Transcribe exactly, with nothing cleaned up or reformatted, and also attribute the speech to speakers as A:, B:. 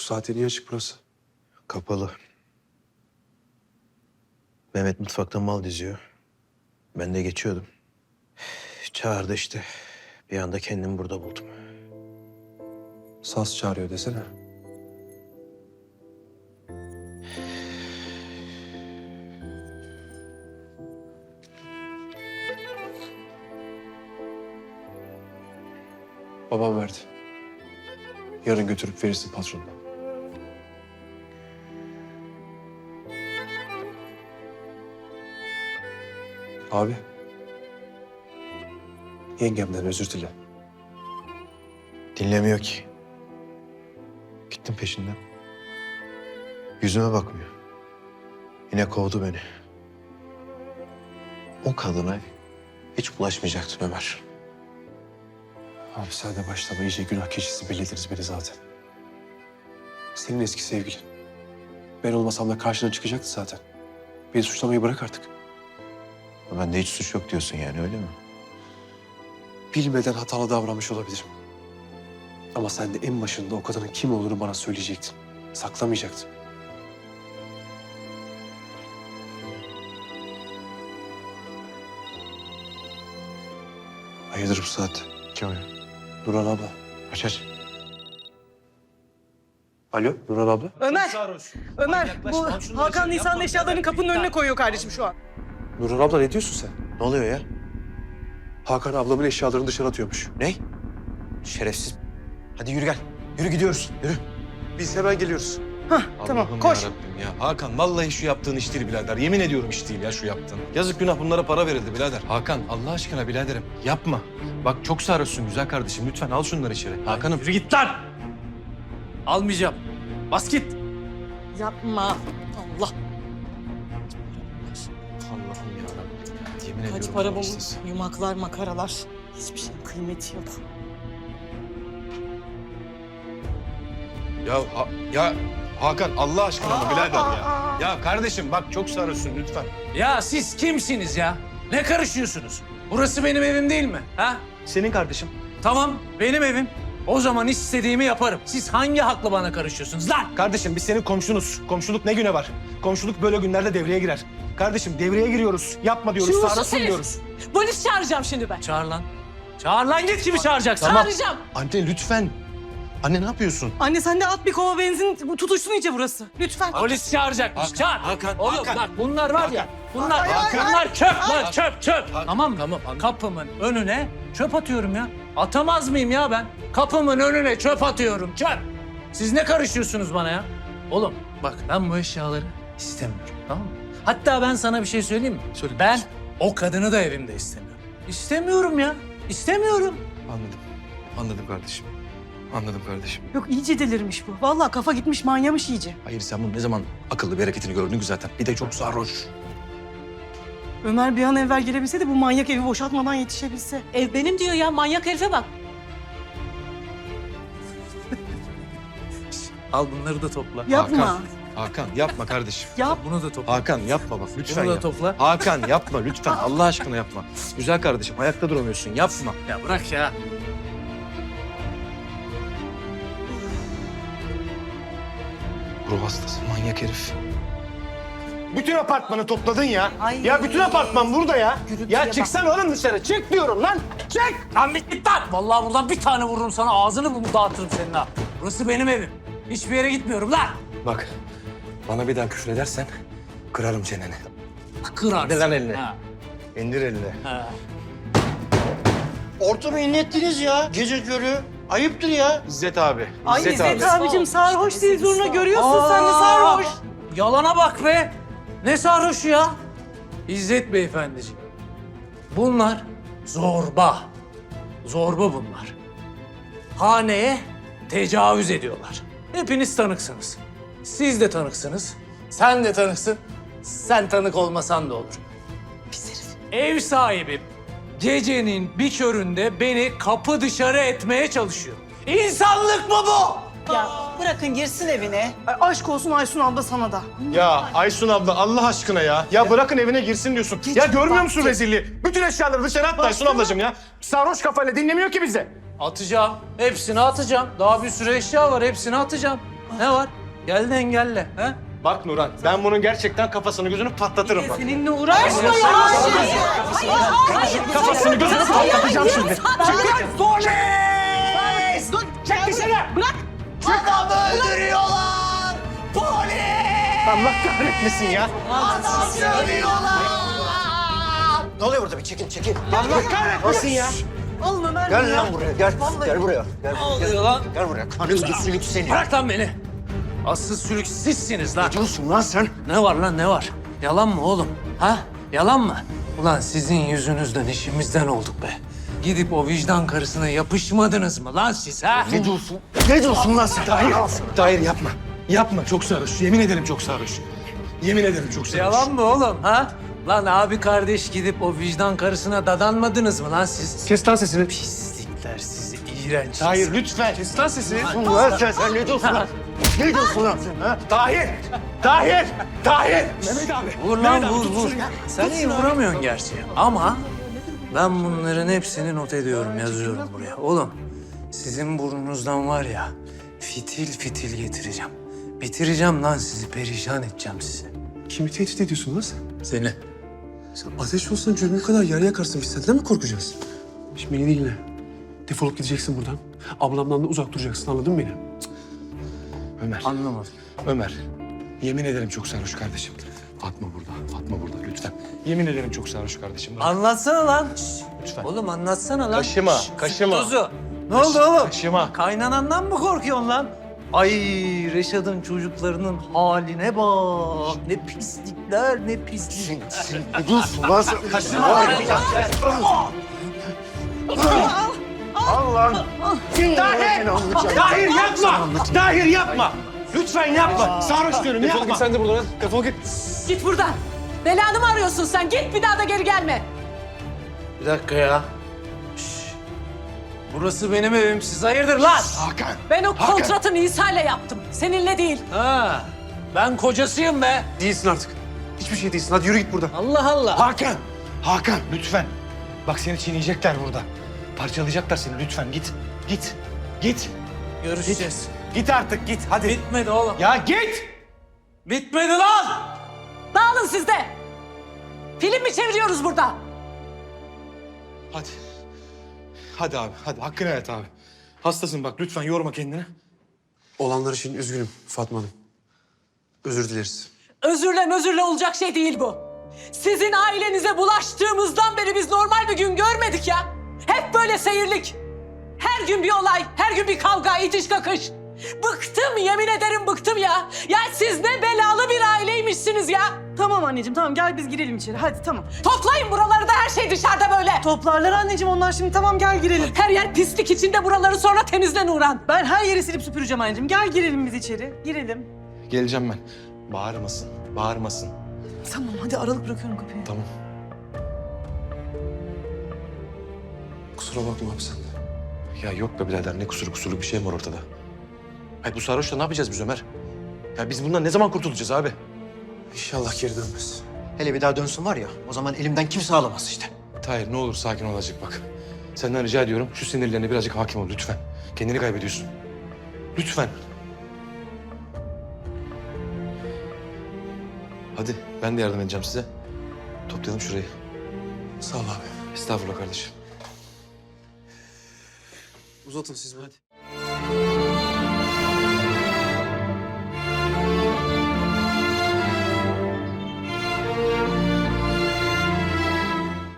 A: saatte niye açık burası?
B: Kapalı. Mehmet mutfakta mal diziyor. Ben de geçiyordum. Çağırdı işte. Bir anda kendimi burada buldum.
A: Saz çağırıyor desene. Babam verdi. Yarın götürüp verirsin patronuna. Abi. Yengemden özür dile.
B: Dinlemiyor ki. Gittim peşinden. Yüzüme bakmıyor. Yine kovdu beni. O kadına hiç bulaşmayacaktım Ömer.
A: Abi sen de başlama, iyice günah keçisi bellediniz beni zaten. Senin eski sevgilin. Ben olmasam da karşına çıkacaktı zaten. Beni suçlamayı bırak artık.
B: Bende hiç suç yok diyorsun yani, öyle mi?
A: Bilmeden hatalı davranmış olabilirim. Ama sen de en başında o kadının kim olduğunu bana söyleyecektin. Saklamayacaktın. Hayırdır bu saatte?
B: Kim o ya?
A: Nurhan abla.
B: Aç aç.
A: Alo Nurhan abla.
C: Ömer, Ömer bu Hakan Nisan'ın eşyalarını kapının önüne koyuyor kardeşim şu an.
A: Nurhan abla ne diyorsun sen?
B: Ne oluyor ya?
A: Hakan ablamın eşyalarını dışarı atıyormuş.
B: Ne? Şerefsiz. Hadi yürü gel. Yürü gidiyoruz. Yürü.
A: Biz hemen geliyoruz.
C: Hah tamam
D: Allah'ım
C: koş.
D: yarabbim ya. Hakan vallahi şu yaptığın iş değil birader. Yemin ediyorum iş değil ya şu yaptığın. Yazık günah, bunlara para verildi birader. Hakan Allah aşkına biraderim yapma. Bak çok sarhoşsun güzel kardeşim. Lütfen al şunları içeri. Hakan'ım.
E: Yürü git lan! Almayacağım. Bas git.
C: Yapma. Allah.
D: Allah'ım yarabbim ya. Yemin
C: Kaç
D: ediyorum.
C: para bu
D: haksız.
C: yumaklar, makaralar. Hiçbir şeyin kıymeti yok.
D: Ya, ha- ya Hakan Allah aşkına mı birader ya? Ya kardeşim bak çok sarhoşsun lütfen.
E: Ya siz kimsiniz ya? Ne karışıyorsunuz? Burası benim evim değil mi? Ha?
D: Senin kardeşim.
E: Tamam, benim evim. O zaman istediğimi yaparım. Siz hangi hakla bana karışıyorsunuz lan?
D: Kardeşim biz senin komşunuz. Komşuluk ne güne var? Komşuluk böyle günlerde devreye girer. Kardeşim devreye giriyoruz. Yapma diyoruz,
C: Şuursuz
D: sarhoşsun
C: herif.
D: diyoruz.
C: Polis çağıracağım şimdi ben.
E: Çağır lan. Çağır lan, git kimi çağıracaksın?
C: Çağıracağım.
D: Anne lütfen. Anne ne yapıyorsun?
C: Anne sen de at bir kova benzin, bu tutuşsun iyice burası. Lütfen.
E: Polis çağıracakmış.
D: Hakan,
E: Çağır.
D: Hakan,
E: Oğlum
D: Hakan.
E: bak bunlar var ya. Bunlar,
D: Hakan.
E: bunlar çöp lan, çöp çöp.
D: Hakan.
E: Tamam mı?
D: Tamam, anladım.
E: Kapımın önüne çöp atıyorum ya. Atamaz mıyım ya ben? Kapımın önüne çöp atıyorum, çöp. Siz ne karışıyorsunuz bana ya? Oğlum bak ben bu eşyaları istemiyorum, tamam mı? Hatta ben sana bir şey söyleyeyim mi?
D: Söyle.
E: Ben o kadını da evimde istemiyorum. İstemiyorum ya, istemiyorum.
D: Anladım. Anladım kardeşim. Anladım kardeşim.
C: Yok iyice delirmiş bu. Vallahi kafa gitmiş, manyamış iyice.
D: Hayır sen bunun ne zaman akıllı bir hareketini gördün ki zaten. Bir de çok sarhoş.
C: Ömer bir an evvel gelebilse de bu manyak evi boşaltmadan yetişebilse.
F: Ev benim diyor ya, manyak herife bak.
E: Al bunları da topla.
C: Yapma.
D: Hakan. Hakan yapma kardeşim.
C: Yap.
E: Bunu da topla.
D: Hakan yapma bak lütfen
E: Bunu da
D: ya.
E: topla.
D: Hakan yapma lütfen. Allah aşkına yapma. Güzel kardeşim ayakta duramıyorsun. Yapma.
E: Ya bırak ya.
D: Ruh hastası manyak herif. Bütün apartmanı topladın ya. Ya bütün apartman burada ya. Ya çıksana oğlum dışarı. Çık diyorum lan. Çık.
E: Lan bit git lan. Vallahi buradan bir tane vururum sana. Ağzını bunu dağıtırım senin ha. Burası benim evim. Hiçbir yere gitmiyorum lan.
D: Bak bana bir daha küfür edersen kırarım çeneni.
E: Kırarsın.
D: İndir lan elini.
E: Ha.
D: İndir elini.
E: Ha.
G: Ortamı inlettiniz ya gece körü. Ayıptır ya.
D: İzzet abi.
C: Ay
D: İzzet,
C: İzzet
D: abi.
C: abicim sarhoş değil zoruna görüyorsun sen de sarhoş.
E: Yalana bak be. Ne sarhoşu ya? İzzet beyefendiciğim. Bunlar zorba. Zorba bunlar. Haneye tecavüz ediyorlar. Hepiniz tanıksınız. Siz de tanıksınız. Sen de tanıksın. Sen tanık olmasan da olur.
C: Pis herif.
E: Ev sahibim gecenin bir köründe beni kapı dışarı etmeye çalışıyor. İnsanlık mı bu?
F: Ya bırakın girsin evine.
C: Ay, aşk olsun Aysun abla sana da.
D: Ya Aysun abla Allah aşkına ya. Ya bırakın evine girsin diyorsun. Ya görmüyor musun rezilliği? Bütün eşyaları dışarı attı Aysun ablacığım ya. Sarhoş kafayla dinlemiyor ki bizi.
E: Atacağım. Hepsini atacağım. Daha bir sürü eşya var. Hepsini atacağım. Ne var? Gel de engelle. Ha?
D: Bak Nurhan, ben bunun gerçekten kafasını gözünü patlatırım bak.
C: Seninle uğraşma ya.
D: Kafasını gözünü patlatacağım şimdi. Allah kahretmesin ya.
G: Ne oluyor burada? Bir çekin çekin.
D: Allah kahretmesin ya.
C: Alma Ömer
G: Gel
C: ya.
G: lan buraya gel. Gel buraya. Gel,
E: Ne oluyor lan?
G: gel buraya. Kanın sülük seni.
E: Bırak lan beni. Asıl sülük sizsiniz lan.
G: Ne diyorsun lan sen?
E: Ne var lan ne var? Yalan mı oğlum? Ha? Yalan mı? Ulan sizin yüzünüzden işimizden olduk be. Gidip o vicdan karısına yapışmadınız mı lan siz ha?
G: Ne diyorsun? Ne diyorsun lan sen?
D: Tahir, Tahir yapma. Yapma, çok sarhoş. Yemin ederim çok sarhoş. Yemin ederim çok sarhoş.
E: Yalan mı oğlum ha? Lan abi kardeş gidip o vicdan karısına dadanmadınız mı lan siz?
A: Kes lan sesini.
E: Pislikler sizi, iğrenç.
D: Tahir lütfen.
A: Kes lan sesini.
G: Lan sen, sen ne diyorsun lan? Ne diyorsun lan sen ha?
D: Tahir! Tahir! Tahir! Mehmet abi.
E: Vur lan vur vur. Sen iyi vuramıyorsun gerçi ama ben bunların hepsini not ediyorum, yazıyorum buraya. Oğlum sizin burnunuzdan var ya fitil fitil getireceğim. Bitireceğim lan sizi, perişan edeceğim sizi.
A: Kimi tehdit ediyorsun lan sen?
E: Seni.
A: Sen ateş olsan cürmü kadar yarı yakarsın. Biz senden mi korkacağız? Şimdi beni dinle. Defolup gideceksin buradan. Ablamdan da uzak duracaksın, anladın mı beni?
D: Ömer,
E: Anlamadım.
D: Ömer. Yemin ederim çok sarhoş kardeşim. Fatma burada, Fatma burada lütfen. Yemin ederim çok sarhoş kardeşim. Bırak.
E: Anlatsana lan. Şş,
D: Lütfen.
E: Oğlum anlatsana lan.
D: Kaşıma,
E: Şş,
D: kaşıma.
E: Tuzu. Ne oldu oğlum?
D: Kaşıma.
E: Kaynanandan mı korkuyorsun lan? Ay Reşat'ın çocuklarının haline bak. Ne pislikler, ne pislik.
G: Sen, sen ne diyorsun lan sen? Al lan.
D: Tahir! Tahir yapma! Tahir yapma! Lütfen yapma! Sarhoş diyorum
A: Defol
D: yapma!
A: git sen de buradan. Defol git.
F: Git buradan. Belanı mı arıyorsun sen? Git bir daha da geri gelme.
E: Bir dakika ya. Şş. Burası benim evim. Siz hayırdır lan?
D: Hakan!
F: Ben o kontratı Nisa'yla yaptım. Seninle değil.
E: Ha, ben kocasıyım be.
A: Değilsin artık. Hiçbir şey değilsin. Hadi yürü git buradan.
E: Allah Allah.
D: Hakan! Hakan lütfen! Bak seni çiğneyecekler burada. Parçalayacaklar seni lütfen git. Git. Git.
E: Görüşeceğiz.
D: Git artık git hadi.
E: Bitmedi oğlum.
D: Ya git!
E: Bitmedi lan.
F: Dağılın siz de. Film mi çeviriyoruz burada?
D: Hadi. Hadi abi hadi hakkını evet abi. Hastasın bak lütfen yorma kendini.
A: Olanlar için üzgünüm Fatma Hanım. Özür dileriz.
F: Özürle özürle olacak şey değil bu. Sizin ailenize bulaştığımızdan beri biz normal bir gün görmedik ya. Hep böyle seyirlik. Her gün bir olay, her gün bir kavga, itiş kakış. Bıktım, yemin ederim bıktım ya. Ya siz ne belalı bir aileymişsiniz ya.
C: Tamam anneciğim tamam gel biz girelim içeri hadi tamam.
F: Toplayın buraları da her şey dışarıda böyle.
C: Toplarlar anneciğim onlar şimdi tamam gel girelim.
F: Her yer pislik içinde, buraları sonra temizle Nurhan.
C: Ben her yeri silip süpüreceğim anneciğim. Gel girelim biz içeri. Girelim.
D: Geleceğim ben. Bağırmasın, bağırmasın.
C: Tamam hadi aralık bırakıyorum kapıyı.
D: Tamam.
A: Kusura bakma abi sen de.
D: Ya yok be birader ne kusuru kusuru bir şey var ortada. Hayır bu sarhoşla ne yapacağız biz Ömer? Ya biz bundan ne zaman kurtulacağız abi?
A: İnşallah geri dönmez.
G: Hele bir daha dönsün var ya, o zaman elimden kimse alamaz işte.
D: Tahir ne olur sakin ol azıcık bak. Senden rica ediyorum şu sinirlerine birazcık hakim ol lütfen. Kendini kaybediyorsun. Lütfen. Hadi ben de yardım edeceğim size. Toplayalım şurayı.
A: Sağ ol abi.
D: Estağfurullah kardeşim.
A: Uzatın siz hadi.